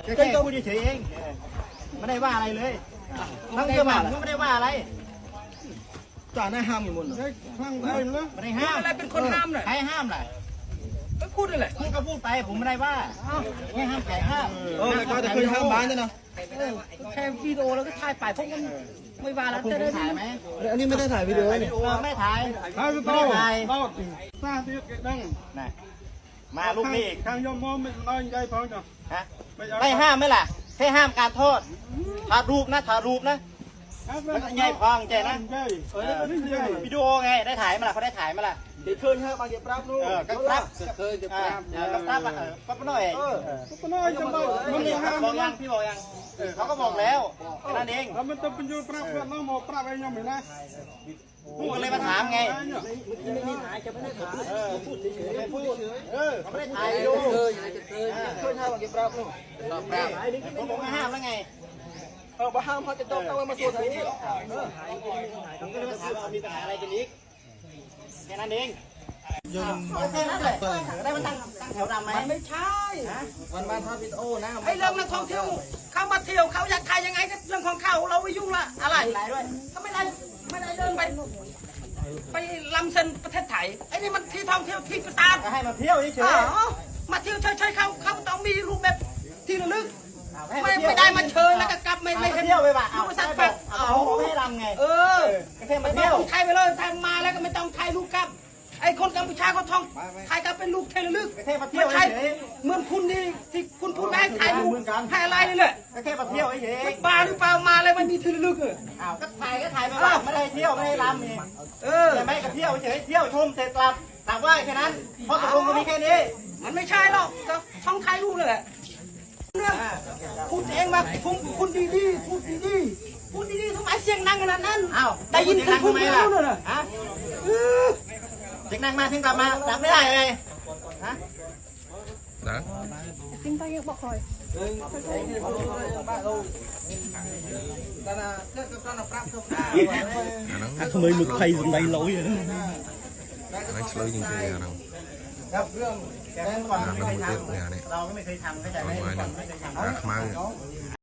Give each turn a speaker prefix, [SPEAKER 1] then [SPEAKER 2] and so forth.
[SPEAKER 1] แค่พูดเฉยเองไม่ได้ว่าอะไรเลยทั้งเรื่องมันก็ไม่ได้ว่าอะไรจ่าหน้าห้ามอยู่หมดห้ามไม่ได้ห้ามอะไรเป็นคนห้ามเลยใครห้ามล่ะก็พูดเลยพูดก็พูดไปผมไม่ได้ว่าแค่ห้ามไก่ห้ามก็จะเคยห้ามบ้านนะแค่วิดีโอแล้วก็ถ่ายไปพวกมันไม่ว่าแล้วจะได้ถ่ายไหมอันนี้ไม่ได้ถ่ายวิดีโอนี่ไม่ถ่ายไม่ได้ถ่ายสร้างที่ดังนะมาลูกนี่ทางยมมอมไม่น้อยใจพอจ้ะฮะไม่ห้ามไหมล่ะแค่ห้ามการโทษถ่ายรูปนะถ่ายรูปนะแล้วก็ใหญ่พองใจนะวิดีโอไงได้ถ่ายมาล่ะเขาได้ถ่ายมาล่ะเดี๋ยวเคยฮะบางเดี๋ยวปรับลูกก็ปรับเคยจะปรับก็ปรับปรับหน่อยปรับหน่อยจำได้มันบอกยังพี่บอกยังเขาก็บอกแล้วนั่นเองแล้วมันต้องเป็นยูปรับเพื่อนน้องหมอปรับอะไรยังไม่ได้ผมก็เลยมาถามไงไม่ถ่ายจะไม่ได้ถ่ายพูดเฉยพูดเขาไม่ได้ถ่ายดูเคยห้ามบางเดี๋ยวปรับลูกผมบอกไม่ห้ามแล้วไงบ้าห้ามเขาจะต้องมาส่วนไหนนี่ผมก็เลยมาถามว่ามีปัญหาอะไรกันอีกแค่นั้นเองแค่นั้นแหละได้มันตั้งแถวดำไหมไม่ใช่วันทอดวิดีโอนะไอ้เรื่องนักท่องเที่ยวเขามาเที่ยวเขาอยากถ่ายยังไงก็เรื่องของเขาเราไม่ยุ่งละอะไรก็ไม่ได้เดินไปลำเส้นประเทศไทยไอ้นี่มันที่ท่องเที่ยวที่ประสาทให้มาเที่ยวเฉยๆมาเที่ยวเฉยๆเขาต้องมีรูปแบบที่ระลึกไม่ได้มาเชิญแล้วก็กลับไม่เที่ยวไปว่ะเอาสักแป๊บเอาไม่ให้รำไงแค่มาเที่ยวถ่ายไปเลยถ่ายมาแล้วก็ไม่ต้องถ่ายรูปกลับไอ้คนกัมพูชาเขาท่องถ่ายกลับเป็นรูปเทเลลึกไม่ใช่เหมือนคุณนี่ที่คุณพูดได้ถ่ายรูปถ่ายอะไรนี่แหละแค่มาเที่ยวเฉยๆบ้าหรือเปล่ามาอะไรมันมีเทเลลึกอ้าวก็ถ่ายไปว่าไม่ได้เที่ยวไม่ได้รำเองแต่ไม่ก็เที่ยวเฉยเที่ยวชมเสร็จกลับว่าแค่นั้นเพราะตกลงกันมีแค่นี้มันไม่ใช่หรอกก็ท่องถ่ายรูปเลยพูดเองมาคุณดีๆพูดดีๆทำไมเสียงดังขนาดนั้นอ้าวได้ยินคุณพูดไม่รู้เลยฮะเสียงดังมาถึงกลับมาดับไม่ได้เลยฮะนะกินไปยังบอกคอยทำไมมึงใครสนใจเราอย่างนั้นไม่ช่วยจริงๆนะครับเรื่องแกก่อนไม่เคยทำเราก็ไม่เคยทำเข้าใจไหมไม่เคยทำ